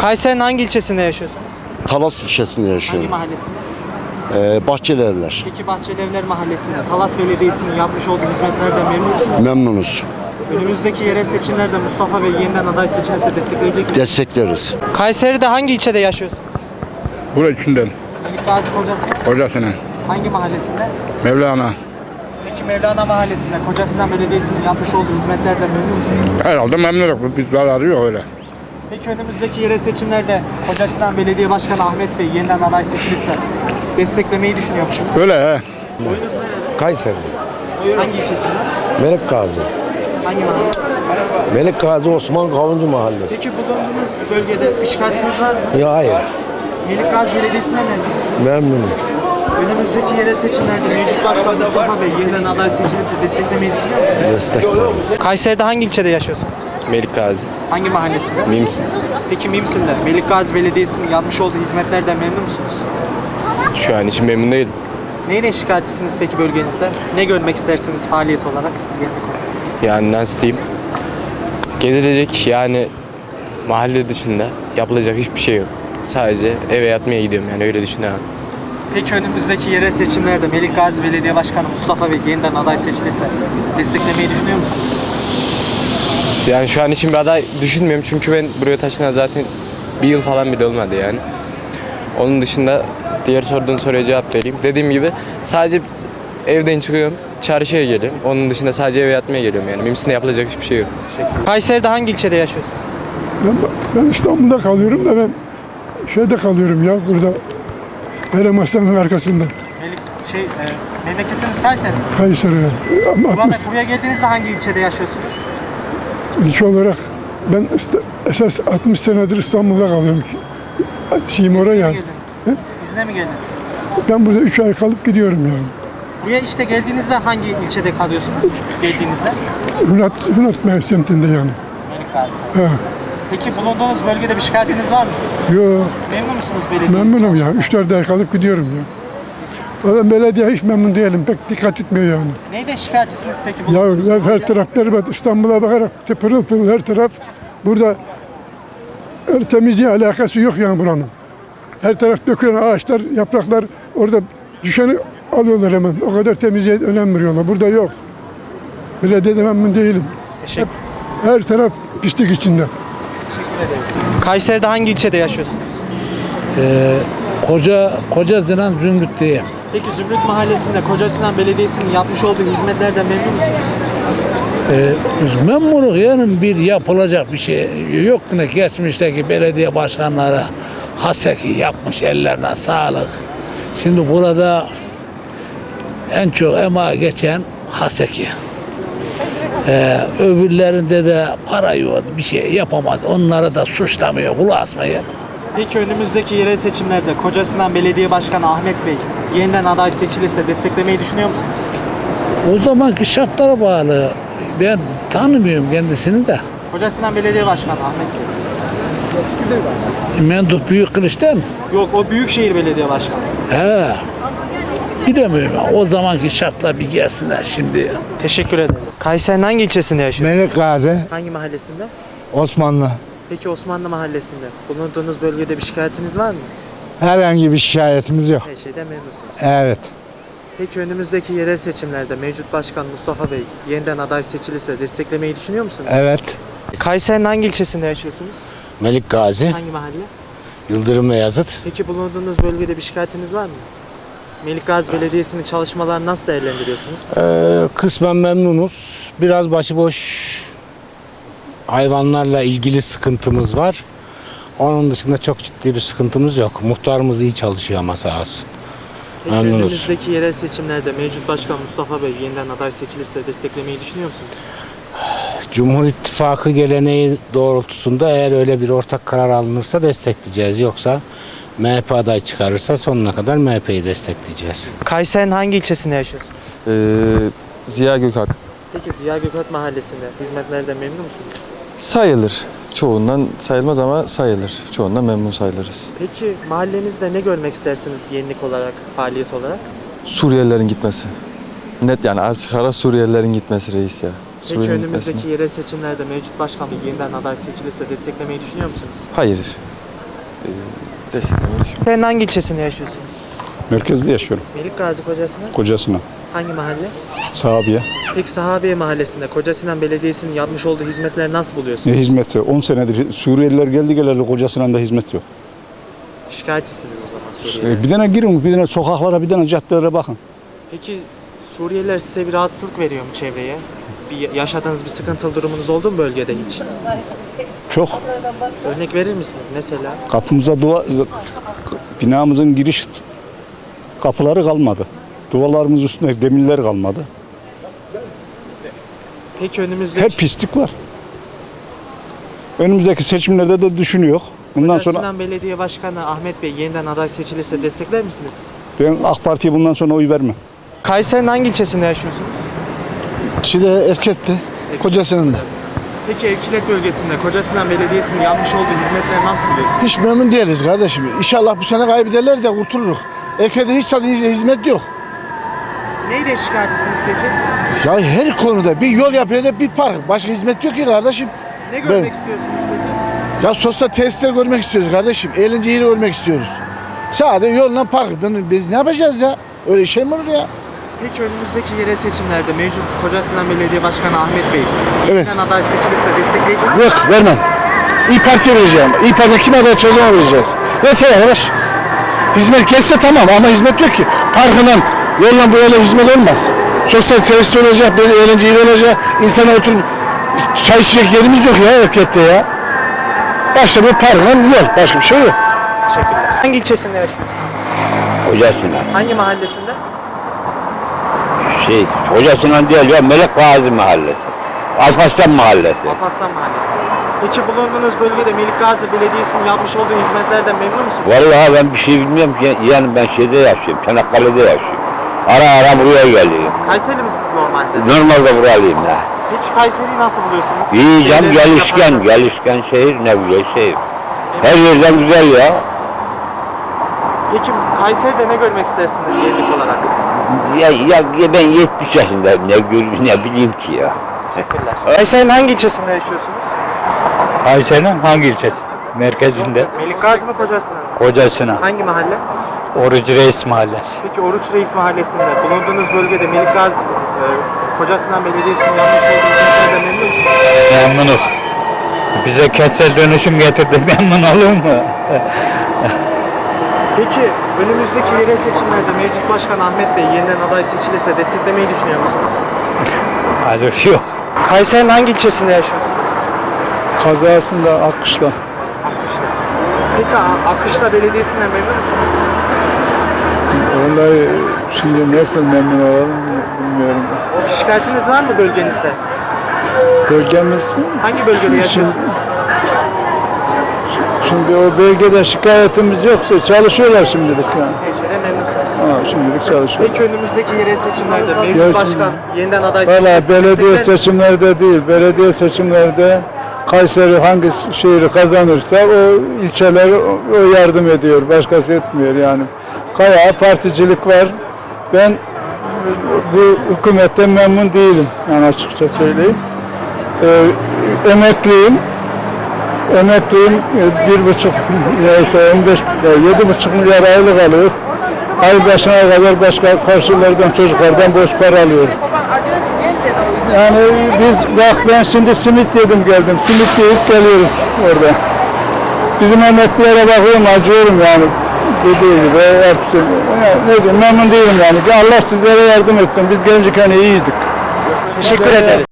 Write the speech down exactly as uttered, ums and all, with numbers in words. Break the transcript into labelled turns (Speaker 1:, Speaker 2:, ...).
Speaker 1: Kayseri'nin hangi ilçesinde yaşıyorsunuz?
Speaker 2: Talas ilçesinde
Speaker 1: Hangi
Speaker 2: yaşıyorum.
Speaker 1: mahallesinde?
Speaker 2: Ee, Bahçeli Evler.
Speaker 1: Peki Bahçelievler Mahallesi'nde Talas Belediyesi'nin yapmış olduğu hizmetlerden memnun musunuz?
Speaker 2: Memnunuz.
Speaker 1: Önümüzdeki yerel seçimlerde Mustafa Bey yeniden aday seçilirse destekleyecek misiniz?
Speaker 2: Destekleriz.
Speaker 1: Kayseri'de hangi ilçede yaşıyorsunuz?
Speaker 3: Burası içinden,
Speaker 1: Melik Gazi Kocasinan
Speaker 3: hocasının,
Speaker 1: hangi mahallesinde?
Speaker 3: Mevlana.
Speaker 1: Peki Mevlana Mahallesi'nde Kocasinan Belediyesi'nin yapmış olduğu hizmetlerden memnun musunuz?
Speaker 3: Herhalde memnunuz, biz zararı yok öyle.
Speaker 1: Peki önümüzdeki yerel seçimlerde Kocasinan Belediye Başkanı Ahmet Bey yeniden aday seçilirse desteklemeyi düşünüyor musunuz?
Speaker 3: Öyle he.
Speaker 4: Kayseri,
Speaker 1: Hangi ilçesinde?
Speaker 4: Melik Gazi.
Speaker 1: Hangi mahalle?
Speaker 4: Melik Gazi Osman Kavuncu Mahallesi.
Speaker 1: Peki bulunduğunuz bölgede bir şikayetiniz var mı?
Speaker 4: Ya hayır,
Speaker 1: Melik Gazi Belediyesi'nden memnun musunuz?
Speaker 4: memnunum.
Speaker 1: Önümüzdeki yerel seçimlerde mevcut başkan Mustafa Bey yeniden aday seçilirse desteklemeyi düşünüyor musunuz?
Speaker 4: Destekliyorum.
Speaker 1: Kayseri'de hangi ilçede yaşıyorsunuz?
Speaker 5: Melik Gazi.
Speaker 1: Hangi mahallesinde?
Speaker 5: Mimsin.
Speaker 1: Peki Mimsin'de Melik Gazi Belediyesi'nin yapmış olduğu hizmetlerden memnun musunuz?
Speaker 5: Şu an için memnun değilim.
Speaker 1: Neyle şikayetçisiniz peki bölgenizde? Ne görmek istersiniz faaliyet olarak?
Speaker 5: Yani nasıl diyeyim? Gezilecek yani mahalle dışında yapılacak hiçbir şey yok. Sadece eve yatmaya gidiyorum yani öyle düşünüyorum.
Speaker 1: Peki önümüzdeki yerel seçimlerde Melik Gazi Belediye Başkanı Mustafa Bey yeniden aday seçilirse desteklemeyi düşünüyor musunuz?
Speaker 5: Yani şu an için bir aday düşünmüyorum çünkü ben buraya taşınan zaten bir yıl falan bile olmadı yani. Onun dışında diğer sorduğun soruya cevap vereyim. Dediğim gibi sadece evden çıkıyorum, çarşıya geliyorum. Onun dışında sadece eve yatmaya geliyorum yani. Mimsin'de yapılacak hiçbir şey yok.
Speaker 1: Kayseri'de hangi ilçede yaşıyorsunuz?
Speaker 6: Ben, ben İstanbul'da kalıyorum da ben şeyde kalıyorum ya burada. Berem Aslan'ın arkasında.
Speaker 1: Melik, şey, e, memleketiniz Kayseri mi?
Speaker 6: Kayseri'ye. Ama
Speaker 1: Burada
Speaker 6: altmış
Speaker 1: buraya geldiğinizde hangi ilçede yaşıyorsunuz?
Speaker 6: ilçe olarak ben işte esas altmış senedir İstanbul'da kalıyorum. Şeyim oraya
Speaker 1: İzne
Speaker 6: yani.
Speaker 1: mi geldiniz? İzne mi geldiniz?
Speaker 6: Ben burada üç ay kalıp gidiyorum yani.
Speaker 1: Buraya işte geldiğinizde hangi ilçede kalıyorsunuz? Geldiğinizde?
Speaker 6: Hünat, Hünat semtinde yani.
Speaker 1: Melik Gazi.
Speaker 6: Ha.
Speaker 1: Peki bulunduğunuz bölgede bir şikayetiniz var mı?
Speaker 6: Yo,
Speaker 1: Memnun musunuz belediye?
Speaker 6: memnunum ya. Üç dört ay kalıp gidiyorum ya. Zaten belediye hiç memnun değilim. Pek dikkat etmiyor yani.
Speaker 1: Neyden şikayetçisiniz peki
Speaker 6: Ya
Speaker 1: bulunduğunuz
Speaker 6: her
Speaker 1: bölge?
Speaker 6: taraf berbat. İstanbul'a bakarak te- pırıl pırıl her taraf. Burada her temizliğe alakası yok yani buranın. Her taraf dökülen ağaçlar, yapraklar orada düşeni alıyorlar hemen. O kadar temizliğe önem veriyorlar. Burada yok. Belediyede memnun değilim.
Speaker 1: Teşekkür,
Speaker 6: Her taraf pislik içinde.
Speaker 1: teşekkür ederiz. Kayseri'de hangi ilçede yaşıyorsunuz?
Speaker 4: Ee, koca Koca Sinan Zümrüt'teyim.
Speaker 1: Peki Zümrüt Mahallesi'nde Kocasinan Belediyesi'nin yapmış olduğu hizmetlerden memnun musunuz?
Speaker 4: Ee, memnunum yani bir yapılacak bir şey yok ne geçmişteki belediye başkanları haseki yapmış, ellerine sağlık. Şimdi burada en çok emeği geçen haseki. Ee, öbürlerinde de para yok, bir şey yapamaz. Onlara da suçlamıyor, kulak asmayın.
Speaker 1: Peki önümüzdeki yerel seçimlerde Kocasinan Belediye Başkanı Ahmet Bey yeniden aday seçilirse desteklemeyi düşünüyor musunuz?
Speaker 4: O zamanki şartlara bağlı. Ben tanımıyorum kendisini de.
Speaker 1: Kocasinan Belediye Başkanı Ahmet Bey.
Speaker 4: Menduh Büyük Kılıç'tan mı?
Speaker 1: Yok, o Büyükşehir Belediye Başkanı.
Speaker 4: He. Bilemiyorum. O zamanki şartlar bir gelsinler şimdi.
Speaker 1: Teşekkür ederiz. Kayseri'nin hangi ilçesinde yaşıyorsunuz?
Speaker 7: Melik Gazi,
Speaker 1: Hangi mahallesinde?
Speaker 7: Osmanlı.
Speaker 1: Peki Osmanlı Mahallesi'nde bulunduğunuz bölgede bir şikayetiniz var mı?
Speaker 7: Herhangi bir şikayetimiz yok.
Speaker 1: Her şeyden memnunsunuz.
Speaker 7: Evet.
Speaker 1: Peki önümüzdeki yerel seçimlerde mevcut başkan Mustafa Bey yeniden aday seçilirse desteklemeyi düşünüyor musunuz?
Speaker 7: Evet.
Speaker 1: Kayseri'nin hangi ilçesinde yaşıyorsunuz?
Speaker 2: Melik Gazi,
Speaker 1: Hangi mahalle?
Speaker 2: Yıldırım ve Yazıt.
Speaker 1: Peki bulunduğunuz bölgede bir şikayetiniz var mı? Melik Gazi Belediyesi'nin çalışmalarını nasıl değerlendiriyorsunuz?
Speaker 2: Ee, kısmen memnunuz. Biraz başıboş hayvanlarla ilgili sıkıntımız var. Onun dışında çok ciddi bir sıkıntımız yok. Muhtarımız iyi çalışıyor ama sağ olsun.
Speaker 1: Peki
Speaker 2: Memnunuz.
Speaker 1: önümüzdeki yerel seçimlerde mevcut başkan Mustafa Bey yeniden aday seçilirse desteklemeyi düşünüyor musunuz?
Speaker 2: Cumhur İttifakı geleneği doğrultusunda eğer öyle bir ortak karar alınırsa destekleyeceğiz. Yoksa M H P aday çıkarırsa sonuna kadar M H P'yi destekleyeceğiz.
Speaker 1: Kayseri'nin hangi ilçesinde yaşıyorsunuz?
Speaker 8: Ee, Ziya Gökalp
Speaker 1: Peki Ziya Gökalp Mahallesi'nde hizmetlerden memnun musunuz?
Speaker 8: sayılır. Çoğundan sayılmaz ama sayılır. Çoğundan memnun sayılırız.
Speaker 1: Peki mahallenizde ne görmek istersiniz yenilik olarak, faaliyet olarak?
Speaker 8: Suriyelilerin gitmesi. Net yani açık ara Suriyelilerin gitmesi reis ya.
Speaker 1: Peki
Speaker 8: Suriyelilerin
Speaker 1: önümüzdeki
Speaker 8: gitmesini.
Speaker 1: yerel seçimlerde mevcut başkan Bey yeniden aday seçilirse desteklemeyi düşünüyor musunuz?
Speaker 8: Hayır. e, desteklemeyi düşünüyorum.
Speaker 1: Sen hangi ilçesinde yaşıyorsunuz?
Speaker 3: Merkezde yaşıyorum.
Speaker 1: Melik Gazi Kocasinan.
Speaker 3: Kocasına.
Speaker 1: Hangi mahalle?
Speaker 3: Sahabiye.
Speaker 1: Peki Sahabiye Mahallesi'nde Kocasinan Belediyesi'nin yapmış olduğu hizmetleri nasıl buluyorsunuz?
Speaker 3: Ne hizmeti? on senedir Suriyeliler geldi geleli Kocasinan da hizmet yok.
Speaker 1: Şikayetçisiniz o zaman Suriyeliler.
Speaker 3: E, bir tane girin, bir tane sokaklara, bir tane caddelere bakın.
Speaker 1: Peki Suriyeliler size bir rahatsızlık veriyor mu çevreye? Bir yaşadığınız bir sıkıntılı durumunuz oldu mu bölgede hiç?
Speaker 3: Çok.
Speaker 1: Örnek verir misiniz mesela?
Speaker 3: Kapımıza duvar, binamızın giriş kapıları kalmadı. Duvarlarımız üstünde demirler kalmadı.
Speaker 1: Peki önümüzdeki
Speaker 3: Hep pislik var. Önümüzdeki seçimlerde de düşünüyor. Bundan sonra
Speaker 1: Kocasinan Belediye Başkanı Ahmet Bey yeniden aday seçilirse destekler misiniz?
Speaker 3: ben AK Parti'ye bundan sonra oy vermem.
Speaker 1: Kayseri'nin hangi ilçesinde yaşıyorsunuz?
Speaker 7: Çile Erkek'te, Kocasinan da.
Speaker 1: Peki Ekilek bölgesinde Kocasinan Belediyesi'nin yapmış olduğu hizmetleri nasıl buluyorsunuz?
Speaker 7: Hiç memnun değiliz kardeşim. İnşallah bu sene kaybederler de kurtuluruz. Erkek'te hiç zaten hizmet yok.
Speaker 1: Neyle şikayetçisiniz peki?
Speaker 7: Ya her konuda bir yol yapıyor da bir park. Başka hizmet yok ki kardeşim.
Speaker 1: Ne görmek
Speaker 7: Ben-
Speaker 1: istiyorsunuz peki?
Speaker 7: Ya sosyal tesisler görmek istiyoruz kardeşim. Eğlence yeri görmek istiyoruz. Sadece yolla park. Ben- Biz ne yapacağız ya? Öyle şey mi olur ya?
Speaker 1: Peki önümüzdeki yerel seçimlerde mevcut Kocasinan Belediye Başkanı Ahmet Bey
Speaker 7: Evet.
Speaker 1: yeniden aday seçilirse destekleyecek misiniz?
Speaker 7: Yok vermem. İyi Parti'ye vereceğim. İyi Parti'ye kim aday çözüme vereceğiz. Yeter arkadaş. Hizmet kesse tamam ama hizmet yok ki. Parkından, yolla böyle hizmet olmaz. Sosyal tesis olacak, böyle eğlence yeri olacak. İnsana oturup çay içecek yerimiz yok ya erkekte ya. Başta bir parkından yol. Başka bir şey yok.
Speaker 1: Teşekkürler. Hangi ilçesinde yaşıyorsunuz?
Speaker 9: Hocasına.
Speaker 1: Hangi mahallesinde?
Speaker 9: Şey, hocasına değil ya, Melek Gazi Mahallesi. Alparslan Mahallesi.
Speaker 1: Alparslan Mahallesi. Peki bulunduğunuz bölgede Melik Gazi Belediyesi'nin yapmış olduğu hizmetlerden memnun musunuz?
Speaker 9: Vallahi ben bir şey bilmiyorum ki, yani ben şeyde yaşıyorum, Çanakkale'de yaşıyorum. Ara ara buraya geliyorum.
Speaker 1: Kayseri misiniz normalde?
Speaker 9: Normalde buralıyım ya.
Speaker 1: Peki Kayseri'yi nasıl buluyorsunuz?
Speaker 9: İyi canım,
Speaker 1: Belediye
Speaker 9: gelişken,
Speaker 1: yaparken-
Speaker 9: gelişken şehir, ne güzel şehir. Her yerden güzel ya.
Speaker 1: Peki Kayseri'de ne görmek istersiniz yenilik olarak?
Speaker 9: Ya, ya, ya ben yetmiş yaşındayım, ne gör, ne bileyim ki ya.
Speaker 1: Teşekkürler. Kayseri'nin hangi ilçesinde yaşıyorsunuz?
Speaker 10: Kayseri'nin hangi ilçesi? Merkezinde.
Speaker 1: Melik Gazi mi Kocasinan mı?
Speaker 10: Kocasına.
Speaker 1: Hangi mahalle?
Speaker 10: Orucu Reis Mahallesi.
Speaker 1: Peki Oruç Reis Mahallesi'nde bulunduğunuz bölgede Melik Gazi e, Kocasinan Belediyesi'nin yapmış olduğu hizmetlerden memnun musunuz?
Speaker 10: Memnunuz. Bize kentsel dönüşüm getirdi. Memnun olur mu?
Speaker 1: Peki önümüzdeki yerel seçimlerde mevcut başkan Ahmet Bey yeniden aday seçilirse desteklemeyi düşünüyor musunuz?
Speaker 10: Hayır yok.
Speaker 1: Kayseri'nin hangi ilçesinde yaşıyorsunuz?
Speaker 3: Kazasında Akkışla.
Speaker 1: Akışla. Peki A- Akışla Belediyesi'nden memnun musunuz?
Speaker 3: Vallahi şimdi nasıl memnun olalım bilmiyorum.
Speaker 1: Bir şikayetiniz var mı bölgenizde?
Speaker 3: Bölgemiz
Speaker 1: Hangi bölgede yaşıyorsunuz?
Speaker 3: şimdi o bölgede şikayetimiz yoksa çalışıyorlar şimdilik yani.
Speaker 1: Tecrübe memnunsunuz.
Speaker 3: Ha, şimdilik çalışıyor.
Speaker 1: Peki önümüzdeki yerel seçimlerde mevcut
Speaker 3: Gelsin.
Speaker 1: başkan yeniden aday
Speaker 3: Valla
Speaker 1: seçilirse
Speaker 3: belediye
Speaker 1: destekler misiniz?
Speaker 3: seçimlerde değil, belediye seçimlerde Kayseri hangi şehri kazanırsa o ilçeler o o yardım ediyor, başkası etmiyor yani. Kaya particilik var. Ben bu hükümetten memnun değilim yani açıkça söyleyeyim. Ee, emekliyim. Emekliyim e, bir buçuk neyse on beş yedi buçuk milyar aylık alıyor. Ay başına kadar başka karşılardan çocuklardan borç para alıyoruz. Yani biz bak ben şimdi simit yedim geldim. Simit yiyip geliyoruz orada. Bizim emeklilere bakıyorum acıyorum yani. Dediği gibi hepsi. Yani ne diyeyim memnun değilim yani. Allah sizlere yardım etsin. Biz gençken iyiydik.
Speaker 1: Teşekkür ederiz.